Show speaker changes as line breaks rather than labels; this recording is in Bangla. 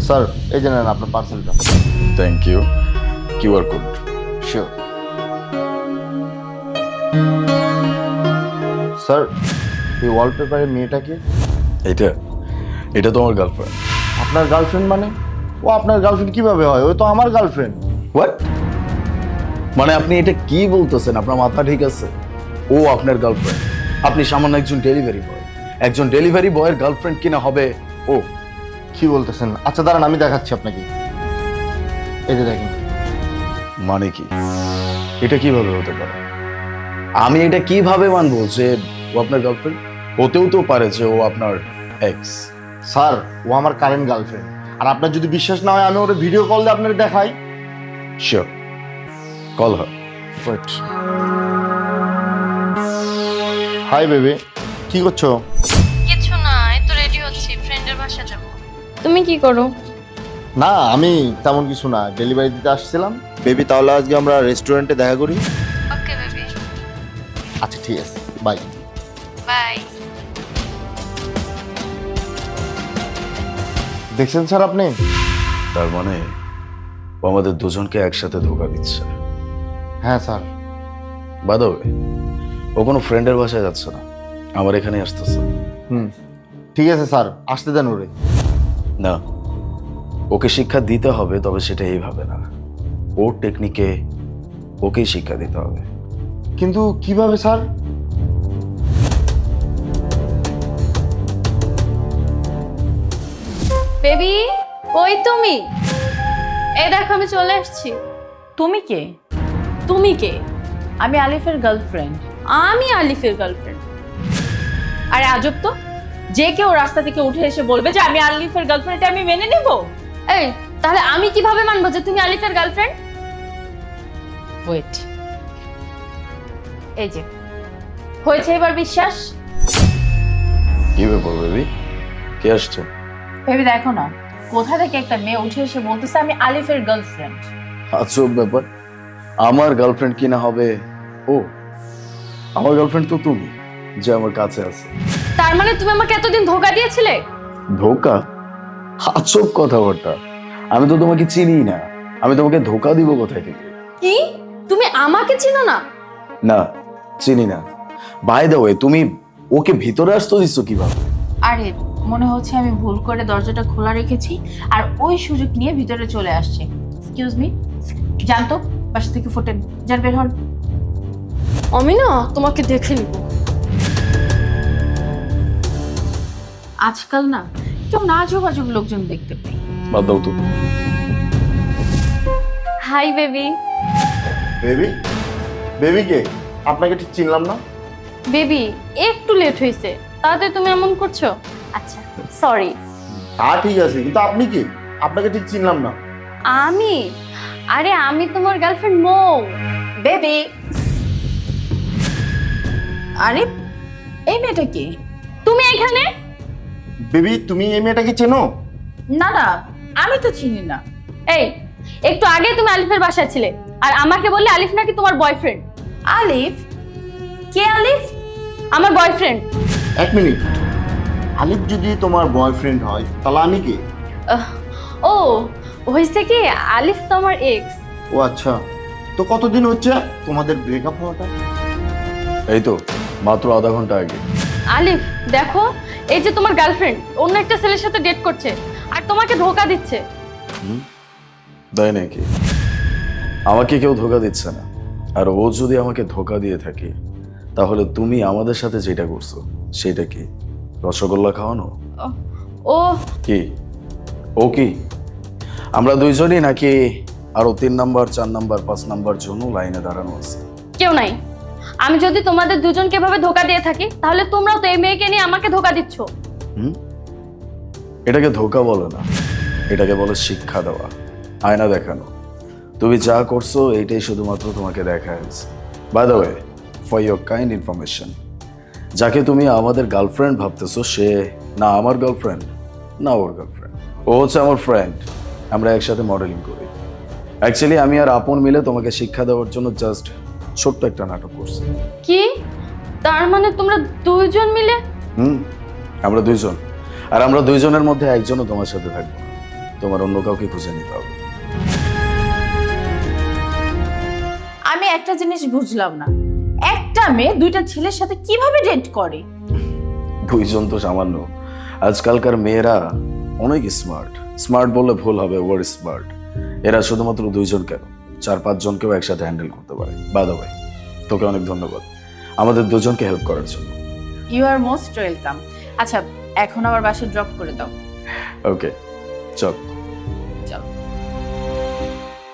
স্যার এই যে নেন আপনার পার্সেলটা।
Thank you. QR code.
Sure sir. এই ওয়ালপেপারের মেয়েটাকে
এটা এটা তো আমার গার্লফ্রেন্ড।
আপনার গার্লফ্রেন্ড মানে? ও আপনার গার্লফ্রেন্ড কিভাবে হয়? ও তো আমার গার্লফ্রেন্ড।
হোয়াট? মানে আপনি এটা কি বলতেছেন? আপনার মাথা ঠিক আছে? ও আপনার গার্লফ্রেন্ড? আপনি সামান্য একজন ডেলিভারি বয়। একজন ডেলিভারি বয়ের গার্লফ্রেন্ড কিনা হবে ও?
কি বলতেছেন? আচ্ছা দাঁড়ান আমি দেখাচ্ছি আপনাকে। এই যে দেখেন।
মানে কি? এটা কিভাবে হতে পারে? আমি এটা কিভাবে মানবো যে ও আপনার গার্লফ্রেন্ড? হতেও তো পারে যে ও আপনার এক্স।
স্যার ও আমার কারেন্ট গার্লফ্রেন্ড। আর আপনার যদি বিশ্বাস না হয় আমি ওর ভিডিও কল দিয়ে আপনাকে দেখাই।
Sure, call her.
Wait. Hi baby, কি করছো?
কিছু না, এই তো রেডি হচ্ছি, ফ্রেন্ডের বাসা যাব। তুমি কি করো?
না আমি তেমন কিছু না, ডেলিভারি দিতে আসছিলাম। বেবি তাহলে আজকে আমরা রেস্টুরেন্টে দেখা করি।
ওকে বেবি,
আচ্ছা ঠিক আছে, বাই।
বাই।
দেখছেন স্যার আপনি?
তার মানে ও আমাদের দুজনকে একসাথে ধোকা দিচ্ছে।
হ্যাঁ স্যার।
বাই দ্য ওয়ে, ও কোনো ফ্রেন্ডের বাসায় যাচ্ছে না, আমার এখানে আসতেছে।
ঠিক আছে স্যার, আসতে দেন ওরে।
না, ওকে শিক্ষা দিতে হবে, তবে সেটা এইভাবে না। ওর টেকনিকে ওকেই শিক্ষা দিতে হবে।
কিন্তু কিভাবে স্যার?
বেবি, ওই তুমি? এই দেখো আমি চলে আসছি।
তুমি কে?
তুমি কে?
আমি আলিফের গার্লফ্রেন্ড।
আমি আলিফের গার্লফ্রেন্ড।
আরে আজব তো, যে কেউ রাস্তা থেকে উঠে এসে বলবে যে আমি আলিফের গার্লফ্রেন্ড, এটা আমি মেনে নেব?
এই তাহলে আমি কিভাবে মানবো যে তুমি আলিফের গার্লফ্রেন্ড?
ওয়েট, এই যে হয়েছে এবার বিশ্বাস?
কি ব্যাপার বেবি, কে আসছে?
ভেবে দেখো না, কোথা থেকে একটা মেয়ে উঠে এসে বলতেছে আমি আলিফের গার্লফ্রেন্ড।
আজব ব্যাপার, আমার গার্লফ্রেন্ড কিনা হবে ও? আমার গার্লফ্রেন্ড তো তুমি, যে আমার কাছে আছে।
তার মানে তুমি আমাকে এতদিন ধোকা দিয়েছিলে?
ধোকা? আজব কথাবার্তা, আমি তো তোমাকে চিনি না, আমি তোমাকে ধোকা দিব কোথায় থেকে?
কি? তুমি আমাকে চিনো না?
না, চিনি না। বাই দ্য ওয়ে, তুমি ওকে ভিতরে আসতে দিচ্ছ কিভাবে?
আরে মনে হচ্ছে আমি ভুল করে দরজাটা খোলা রেখেছি আর ওই সুযোগ নিয়ে ভিতরে চলে আসছে। এক্সকিউজ মি, জানতো বাসা থেকে ফোটেন, যার বের হন।
আমি না তোমাকে দেখে নিব।
আজকাল না কেউ না যোগাযোগ লোকজন দেখতে পাই।
বাদ দাও তো।
Hi baby.
বেবি? বেবি কে? আপনাকে ঠিক চিনলাম না।
বেবি একটু লেট হয়েছে, তাতে তুমি এমন করছো? আচ্ছা সরি।
তা ঠিক আছে, কিন্তু আপনি কি? আপনাকে ঠিক চিনলাম না।
আমি? আরে আমি তোমার গার্লফ্রেন্ড মৌ।
বেবি, আরে এই মেয়েটা কি?
তুমি এখানে?
বেবি তুমি এই মেয়েটাকে চেনো?
না না, আমি তো চিনি না।
এই একটু আগে তুমি আলিফের বাসায় ছিলে আর আমাকে বললে আলিফ নাকি তোমার বয়ফ্রেন্ড।
আলিফ? কে আলিফ?
আমার বয়ফ্রেন্ড।
এক মিনিট, আলিফ যদি তোমার বয়ফ্রেন্ড হয় তাহলে আমি কি?
ও হয়েছে কি, আলিফ তো আমার এক্স।
ও আচ্ছা, তো কতদিন হচ্ছে তোমাদের ব্রেকআপ হওয়াটা?
এই তো মাত্র আধা ঘন্টা আগে।
আলিফ দেখো, এই যে তোমার গার্লফ্রেন্ড অন্য একটা ছেলের সাথে ডেট করছে আর তোমাকে ধোকা দিচ্ছে।
তাই নাকি? আমাকে কেউ ধোকা দিচ্ছে না, আর ও যদি আমাকে ধোকা দিয়ে থাকে তাহলে তুমি আমাদের সাথে যেটা করছো সেটা কি? রসগোল্লা খাওয়ানো?
ও
কি ও কি? আমরা দুইজনই নাকি আরো 3 নাম্বার 4 নাম্বার 5 নাম্বার জন্য লাইনে দাঁড়ানো আছে?
কেউ নাই। আমি যদি তোমাদের দুজনকে এভাবে ধোকা দিয়ে থাকি তাহলে তোমরাও তো এই মেয়েকে নিয়ে আমাকে ধোকা দিচ্ছ।
এটাকে ধোকা বলে না, এটাকে বলে শিক্ষা দেওয়া, আয়না দেখানো। তুমি যা করছো এইটাই শুধুমাত্র তোমাকে দেখা হয়েছে। By the way, for your kind information, যাকে তুমি আমাদের গার্লফ্রেন্ড ভাবতেছো সে না আমার গার্লফ্রেন্ড না ওর গার্লফ্রেন্ড, ও হচ্ছে আমার ফ্রেন্ড। আমরা একসাথে মডেলিং করি। অ্যাকচুয়ালি আমি আর আপন মিলে তোমাকে শিক্ষা দেওয়ার জন্য জাস্ট ছোট্ট একটা নাটক করছি।
কি? তার মানে তোমরা দুইজন মিলে?
আমরা দুইজন, আর আমরা দুইজনের মধ্যে একজনও তোমার সাথে থাকবো না। তোমার অন্য কাউকে খুঁজে নিতে হবে।
আমি একটা জিনিস বুঝলাম না, একটা মেয়ে দুইটা ছেলের সাথে কিভাবে ডেট করে?
দুইজন তো সামান্য, আজকালকার মেয়েরা অনেক স্মার্ট। স্মার্ট বললে ভুল হবে, ওভার স্মার্ট। এরা শুধুমাত্র দুইজন কেন, 4-5 জনকেও একসাথে হ্যান্ডেল করতে পারে। বাই দ্য ওয়ে, তোকে অনেক ধন্যবাদ আমাদের দুজনকে হেল্প করার জন্য।
You are most welcome. আচ্ছা, এখন আমার বাসায় ড্রপ করে দাও।
ওকে, চল।